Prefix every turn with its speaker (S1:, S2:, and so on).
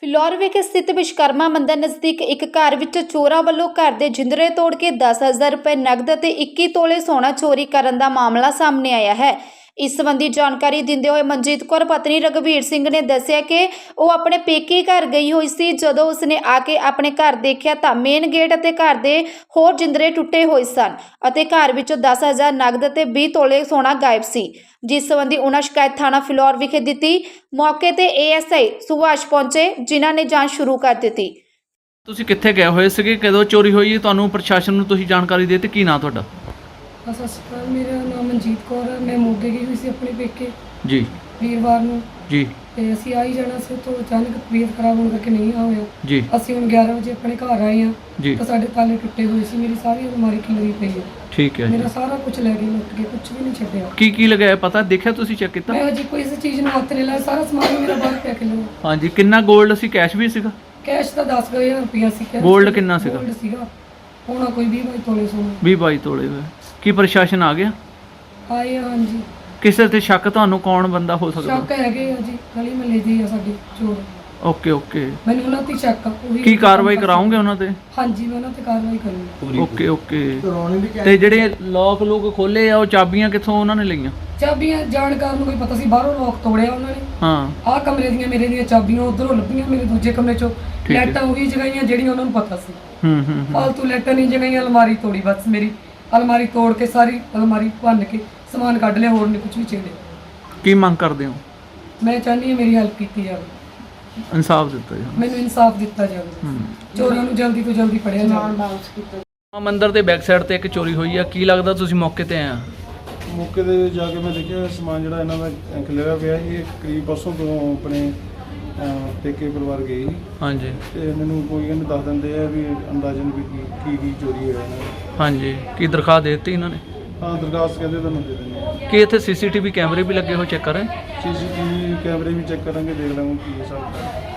S1: ਫਿਲੌਰ ਵਿਖੇ ਸਥਿਤ ਵਿਸ਼ਵਕਰਮਾ ਮੰਦਰ ਨਜ਼ਦੀਕ ਇੱਕ ਘਰ ਵਿੱਚ ਚੋਰਾਂ ਵੱਲੋਂ ਘਰ ਦੇ ਜਿੰਦਰੇ ਤੋੜ ਕੇ 10,000 ਰੁਪਏ ਨਕਦ ਅਤੇ 21 ਤੋਲੇ ਸੋਨਾ ਚੋਰੀ ਕਰਨ ਦਾ ਮਾਮਲਾ ਸਾਹਮਣੇ ਆਇਆ ਹੈ। ਇਸ ਸੰਬੰਧੀ ਜਾਣਕਾਰੀ ਦਿੰਦੇ ਹੋਏ ਮਨਜੀਤ ਕੌਰ ਪਤਨੀ ਰਘਵੀਰ ਸਿੰਘ ਨੇ ਦੱਸਿਆ ਕਿ ਉਹ ਆਪਣੇ ਪੇਕੇ ਘਰ ਗਈ ਹੋਈ ਸੀ। ਜਦੋਂ ਉਸਨੇ ਆ ਕੇ ਆਪਣੇ ਘਰ ਦੇਖਿਆ ਤਾਂ ਮੇਨ ਗੇਟ ਅਤੇ ਘਰ ਦੇ ਹੋਰ ਜਿੰਦਰੇ ਟੁੱਟੇ ਹੋਏ ਸਨ ਅਤੇ ਘਰ ਵਿੱਚੋਂ 10,000 ਨਕਦ ਅਤੇ 20 ਤੋਲੇ ਸੋਨਾ ਗਾਇਬ ਸੀ, ਜਿਸ ਸੰਬੰਧੀ ਉਹਨਾਂ ਸ਼ਿਕਾਇਤ ਥਾਣਾ ਫਿਲੌਰ ਵਿਖੇ ਦਿੱਤੀ। ਮੌਕੇ ਤੇ ASI ਸੁਭਾਸ਼ ਪਹੁੰਚੇ, ਜਿਨ੍ਹਾਂ ਨੇ ਜਾਂਚ ਸ਼ੁਰੂ ਕਰ ਦਿੱਤੀ।
S2: ਤੁਸੀਂ ਕਿੱਥੇ ਗਏ ਹੋਏ ਸੀਗੇ, ਕਦੋਂ ਚੋਰੀ ਹੋਈ, ਤੁਹਾਨੂੰ ਪ੍ਰਸ਼ਾਸਨ ਨੂੰ ਤੁਸੀਂ ਜਾਣਕਾਰੀ ਦੇ ਦਿੱਤੀ, ਕੀ ਨਾਂ ਤੁਹਾਡਾ?
S3: ਸਤਿ ਸ਼੍ਰੀ ਅਕਾਲ, ਮੇਰਾ ਨਾਮ ਮਨਜੀਤ ਕੌਰ ਹੈ। ਮੈਂ ਮੋਗੇ ਗਈ ਹੋਈ ਸੀ ਆਪਣੇ ਪੇਕੇ
S2: ਜੀ
S3: ਵੀਰਵਾਰ ਨੂੰ
S2: ਜੀ
S3: ਤੇ ਅਸੀਂ ਆ ਹੀ ਜਾਣਾ ਸੀ, ਤੋਂ ਅਚਾਨਕ ਤਬੀਅਤ ਖਰਾਬ ਹੋਣ ਕਰਕੇ ਨਹੀਂ ਆ ਹੋਇਆ।
S2: ਜੀ
S3: ਅਸੀਂ ਹੁਣ 11 ਵਜੇ ਆਪਣੇ ਘਰ ਆਏ ਹਾਂ
S2: ਜੀ
S3: ਤਾਂ ਸਾਡੇ ਤਾਲੇ ਟੁੱਟੇ ਹੋਏ ਸੀ, ਮੇਰੀ ਸਾਰੀ ਅਲਮਾਰੀ ਖਿਲਰੀ ਪਈ ਹੈ।
S2: ਠੀਕ ਹੈ ਜੀ।
S3: ਮੇਰਾ ਸਾਰਾ ਕੁਝ ਲੈ ਗਏ, ਲੁੱਟ ਕੇ, ਕੁਝ ਵੀ ਨਹੀਂ ਛੱਡਿਆ।
S2: ਕੀ ਲਗਾਇਆ ਪਤਾ ਦੇਖਿਆ, ਤੁਸੀਂ ਚੈੱਕ ਕੀਤਾ?
S3: ਮੈਂ ਹਜੇ ਕੋਈ ਇਸ ਚੀਜ਼ ਨੂੰ ਹੱਥ ਨਹੀਂ ਲਾਇਆ, ਸਾਰਾ ਸਮਾਨ ਮੇਰਾ ਬਾਹਰ ਪਿਆ ਕਿਲੋ।
S2: ਹਾਂਜੀ, ਕਿੰਨਾ 골ਡ ਸੀ, ਕੈਸ਼ ਵੀ ਸੀਗਾ?
S3: ਕੈਸ਼ ਤਾਂ 10,000 ਰੁਪਇਆ ਸੀ।
S2: ਗੋਲਡ ਕਿੰਨਾ ਸੀਗਾ?
S3: ਗੋਲਡ ਸੀਗਾ ਹੋਣਾ ਕੋਈ 20-22 ਤੋਲੇ ਸੋਨਾ।
S2: 20-22 ਤੋਲੇ ਹੋਏ। ਕੀ ਪ੍ਰਸ਼ਾਸਨ ਆ ਗਿਆ?
S3: ਆਏ ਆ, ਹਾਂਜੀ।
S2: ਕਿਸੇ ਤੇ ਸ਼ੱਕ ਤੁਹਾਨੂੰ ਕੌਣ ਬੰਦਾ ਹੋ ਸਕਦਾ?
S3: ਸ਼ੱਕ ਹੈਗੇ ਆ ਜੀ, ਗਲੀ ਮਹੱਲੇ ਦੇ ਆ ਸਾਡੇ ਚੋਰ।
S2: ਓਕੇ
S3: ਮੈਨੂੰ ਉਹਨਾਂ ਤੇ ਸ਼ੱਕ ਆ। ਉਹੀ
S2: ਕੀ ਕਾਰਵਾਈ ਕਰਾਉਂਗੇ ਉਹਨਾਂ ਤੇ?
S3: ਹਾਂਜੀ, ਮੈਂ ਉਹਨਾਂ ਤੇ ਕਾਰਵਾਈ ਕਰੂੰਗੀ।
S2: ਓਕੇ ਤੇ ਜਿਹੜੇ ਲੋਕ ਖੋਲੇ ਆ, ਉਹ ਚਾਬੀਆਂ ਕਿੱਥੋਂ ਉਹਨਾਂ ਨੇ ਲਈਆਂ?
S3: ਚਾਬੀਆਂ ਜਾਣਕਾਰ ਨੂੰ ਕੋਈ ਪਤਾ ਸੀ, ਬਾਹਰੋਂ ਲੋਕ ਤੋੜਿਆ ਉਹਨਾਂ ਨੇ।
S2: ਹਾਂ,
S3: ਆਹ ਕਮਰੇ ਦੀਆਂ ਮੇਰੇ ਦੀਆਂ ਚਾਬੀਆਂ ਉਧਰੋਂ ਲੱਭੀਆਂ, ਮੇਰੇ ਦੂਜੇ ਕਮਰੇ ਚੋਂ।
S2: ਠੀਕ ਹੈ।
S3: ਲਾਈਟਾਂ ਉਹੀ ਜਗਾਈਆਂ ਜਿਹੜੀਆਂ ਉਹਨਾਂ ਨੂੰ ਪਤਾ ਸੀ।
S2: ਹੂੰ
S3: ਫਾਲਤੂ ਲਾਈਟਾਂ ਨਹੀਂ ਜਗਾਈਆਂ, ਅਲਮਾਰੀ ਤੋੜੀ ਬਸ। ਮੇਰੀ ਅਲਮਾਰੀ ਤੋੜ ਕੇ ਸਾਰੀ ਅਲਮਾਰੀ ਭੰਨ ਕੇ ਸਮਾਨ ਕੱਢ ਲਿਆ, ਹੋਰ ਨਹੀਂ ਕੁਝ ਵੀ ਛੇੜਿਆ।
S2: ਕੀ ਮੰਗ ਕਰਦੇ ਹੋ?
S3: ਮੈਂ ਚਾਹੁੰਦੀ ਹਾਂ ਮੇਰੀ ਹੈਲਪ ਕੀਤੀ ਜਾਵੇ,
S2: ਇਨਸਾਫ ਦਿੱਤਾ ਜਾਵੇ,
S3: ਮੈਨੂੰ ਇਨਸਾਫ ਦਿੱਤਾ ਜਾਵੇ, ਚੋਰਾਂ ਨੂੰ ਜਲਦੀ ਤੋਂ ਜਲਦੀ ਫੜਿਆ ਜਾਵੇ।
S2: ਮੰਦਿਰ ਦੇ ਬੈਕ ਸਾਈਡ ਤੇ ਇੱਕ ਚੋਰੀ ਹੋਈ ਆ, ਕੀ ਲੱਗਦਾ ਤੁਸੀਂ ਮੌਕੇ ਤੇ ਆਏ ਆ?
S4: ਮੌਕੇ 'ਤੇ ਜਾ ਕੇ ਮੈਂ ਦੇਖਿਆ ਸਮਾਨ ਜਿਹੜਾ ਇਹਨਾਂ ਦਾ ਖਿਲਰਿਆ ਪਿਆ ਸੀ। ਇਹ ਕਰੀਬ ਪਰਸੋਂ ਤੋਂ ਆਪਣੇ ਪੇਕੇ ਪਰਿਵਾਰ ਗਏ ਸੀ
S2: ਹਾਂਜੀ
S4: ਤੇ ਮੈਨੂੰ ਕੋਈ ਕਹਿੰਦੇ ਦੱਸ ਦਿੰਦੇ ਆ ਵੀ ਅੰਦਾਜ਼ਨ ਵੀ ਕੀ ਚੋਰੀ ਹੋਇਆ ਇਹਨਾਂ ਦਾ।
S2: ਹਾਂਜੀ, ਕੀ ਦਰਖਾਸਤ ਦੇ ਦਿੱਤੀ ਇਹਨਾਂ ਨੇ?
S4: ਹਾਂ, ਦਰਖਾਸਤ ਕਹਿੰਦੇ ਤੁਹਾਨੂੰ ਦੇ ਦਿੰਦੇ ਆ।
S2: ਕੀ ਇੱਥੇ CCTV ਕੈਮਰੇ ਵੀ ਲੱਗੇ ਹੋਏ, ਚੈੱਕ ਕਰ ਰਹੇ?
S4: CCTV ਕੈਮਰੇ ਵੀ ਚੈੱਕ ਕਰਾਂਗੇ, ਦੇਖ ਲਾਂਗੇ ਕੀ ਹਿਸਾਬ ਹੈ।